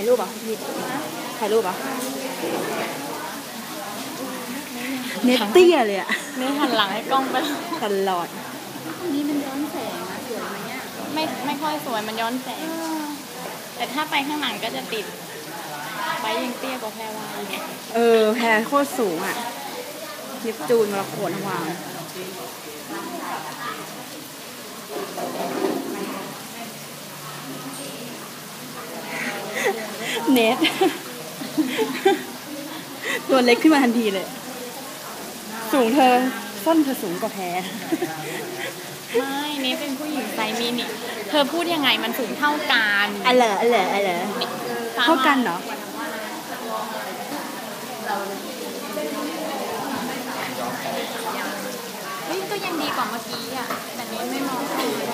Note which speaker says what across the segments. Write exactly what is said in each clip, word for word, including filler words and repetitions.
Speaker 1: ายรูปอ่ะพี่ถ่ายรูปอ่ะเน็ตเตี้ยเลยอ่ะ
Speaker 2: นี่หันหลังให้กล้องไป
Speaker 1: ตลอด
Speaker 3: นี่มันย้อนแสงนะสวยไหมเนี่ย
Speaker 2: ไม่ไม่ค่อยสวยมันย้อนแสงแต่ถ้าไปข้างหลังก็จะติดไปยังเตี้ยกว่าแพรวาอีก
Speaker 1: เออแพรโคตรสูงอ่ะเนปจูนมรกตทั้งวางเน็ตตัวเล็กขึ้นมาทันทีเลยสูงเธอส้นเธอสูงกว่าแพร
Speaker 2: ไม่เน็ตเป็นผู้หญิงไซส์มินิเธอพูดยังไงมันสูงเท่ากัน
Speaker 1: อ๋อเหรออ๋อเหรออ๋อเหรอเท่ากันเหรอ
Speaker 2: เฮ้ยก็ยังดีกว่าเมื่อกี้อ่ะแต่เน็ตไม่มอง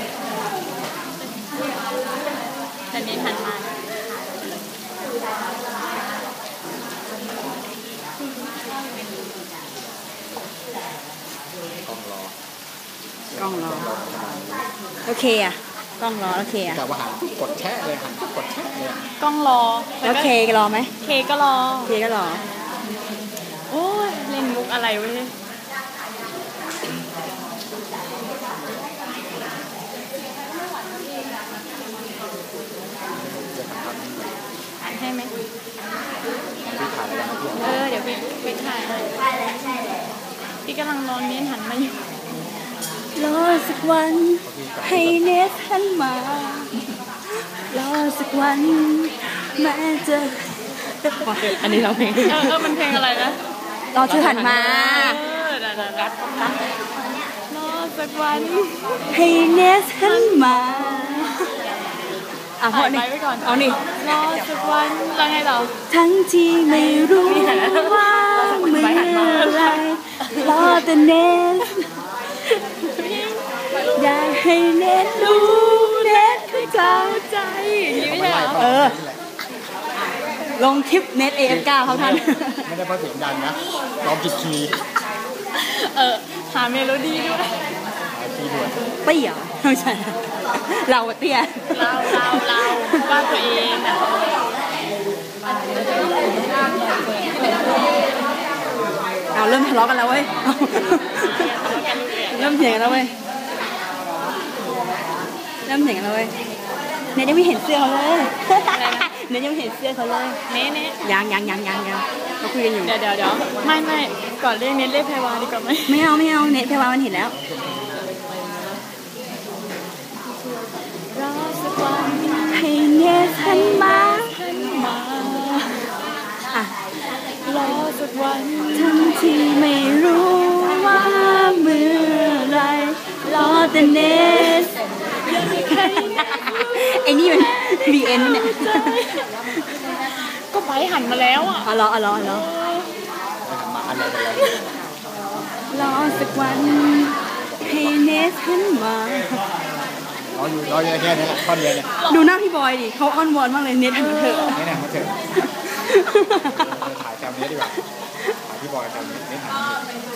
Speaker 2: แต่เน็ตหันมาก
Speaker 1: ล้องรอโอเคอ่ะกล้องรอโอเคอ่ะ
Speaker 3: แต่ว่าหันกดแช่เลยหันกดแช่เลย
Speaker 2: กล้องรอ
Speaker 1: แล้วเครอไหม
Speaker 2: เคก็รอ
Speaker 1: เคก็รอ
Speaker 2: โอ้ยเล่นมุกอะไรเว้ยถ่ายให้ไหมเออเดี๋ยวพี่พี่ถ่ายพี่กำลังรอเน้นหันมาอยู่
Speaker 1: รอสักวันให้เนสหันมารอสักวันแม้จะอันนี้เราเพลง
Speaker 2: เออเออมันเพลงอะไรนะ
Speaker 1: รอเธอหันมา
Speaker 2: เออเดี๋ยวเดี๋ยวกัดกัดรอสักวัน
Speaker 1: ให้เนสหันมาอ่ะพอนี่เอานี่
Speaker 2: รอสักวันแล้วไงต่อ
Speaker 1: ทั้งที่ไม่รู้ว่าเมื่อไรรอแต่เนสอยากให้เน็ตรู้เน็ตเข้าใจ
Speaker 2: อย่างนี้ไม่ใช่เหรอ
Speaker 1: เออลงคลิปเน็ตเอฟเก้าเขาท่าน
Speaker 3: ไม่ได้เพราะเสียงดังนะร้องผิดคีย์
Speaker 2: เออหาเมโลดี้ด้วย
Speaker 3: หาคีย์ด้วย
Speaker 1: เตี้ยไม่ใช่เราเตี้ย
Speaker 2: เราเราเราว่าตัวเองอ่ะ
Speaker 1: เอาเริ่มทะเลาะกันแล้วเว้ยเริ่มเถียงกันแล้วเว้ยเริ่มเถียงกันแล้วเว้ยเนยยังไม่เห็นเสื้อเขาเลยเนยยังไม่เห็นเสื้อเขาเลย
Speaker 2: เน่เน่
Speaker 1: ยังยังยังยังยังเราคุยกันอยู่
Speaker 2: เดี๋ยวเดี๋ยวเดี๋ยวไม่ไม่ก่อนเรียกเนยเรียกแพรวาดีกว่าไหม
Speaker 1: ไม่เอาไม่เอาเนยแพรวามันเห็นแล้ว
Speaker 2: รอสักวัน
Speaker 1: ให้เนยหันมา
Speaker 2: หันมา
Speaker 1: อ่ะ
Speaker 2: รอสักวัน
Speaker 1: ทั้งที่ไม่รู้ว่าเมื่อไรรอแต่เนสไอ้นี่มัน บี เอ็น เนี่ย
Speaker 2: ก็ไปหันมาแล้วอ่ะ
Speaker 1: อ๋อรออ๋อรอรอรอสักวันให้เนสหันมา
Speaker 3: อ๋ออยู่รอแค่นี้แหละท่อนเดียวเนี่ย
Speaker 1: ดูหน้าพี่บอยดิเขาอ้อนวอนมากเลยเนสหันมาเถอะ
Speaker 3: นี่นะมาเถอะถ่ายแคมนี้ดีกว่าถ่ายพี่บอยแคมนี้เนสหันมา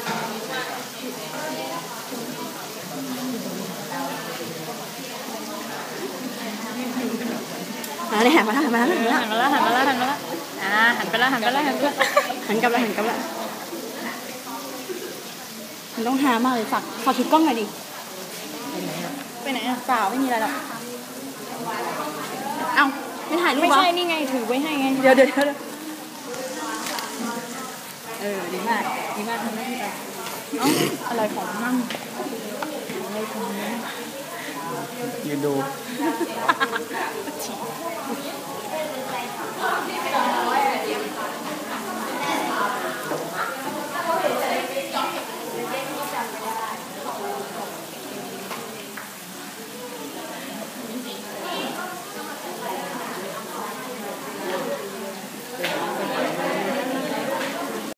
Speaker 1: อ่าเนี่ยหันมาแล้วหันมาแล้ว
Speaker 2: หันมาแล้วหันมาแล้วหันมาแล้วอ่าหันไปแล้วหันไปแล้วหันไปแล้ว
Speaker 1: หันกลับแล้วหันกลับแล้วมันต้องหามากเลยฝากฝากถือกล้องหน่อยดิ
Speaker 2: ไปไหนอ่ะ
Speaker 1: เปล่าไม่มีอะไรหรอกเอ้าไม่ถ่ายรูป
Speaker 2: ไม่ใช่นี่ไงถือไว้ให้ไง
Speaker 1: เดี๋ยวเดี๋ยวเดี๋ยวเออดีมากดีมากทำได้ที่ไป
Speaker 2: เอ้าอะไรของมั่งอะไรของมั่ง
Speaker 3: ยืนดู